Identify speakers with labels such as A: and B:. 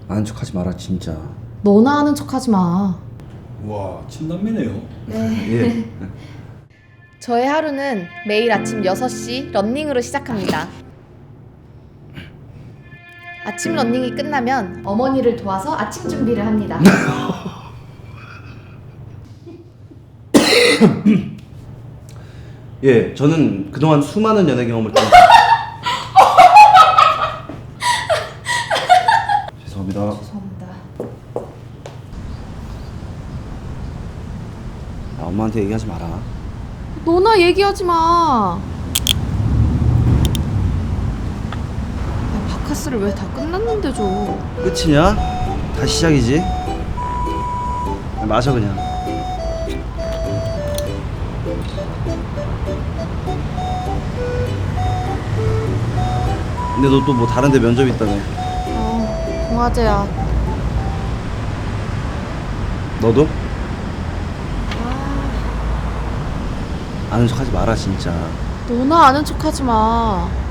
A: 아는 척하지 마라 진짜.
B: 너나 아는 척하지 마.
C: 와, 친남매네요.
B: 네.
A: 예.
B: 저의 하루는 매일 아침 6시 런닝으로 시작합니다. 아침 런닝이 끝나면 어머니를 도와서 아침 준비를 합니다.
A: 예, 저는 그동안 수많은 연애 경험을 좀 죄송합니다.
B: 죄송합니다.
A: 야, 엄마한테 얘기하지 마라.
B: 너나 얘기하지 마. 야, 바카스를 왜 다 끝났는데 줘.
A: 끝이냐? 다시 시작이지? 야, 마셔 그냥. 근데 너 또 뭐 다른 데 면접 있다며.
B: 동화제야.
A: 너도? 아는 척하지 마라 진짜.
B: 너나 아는 척하지 마.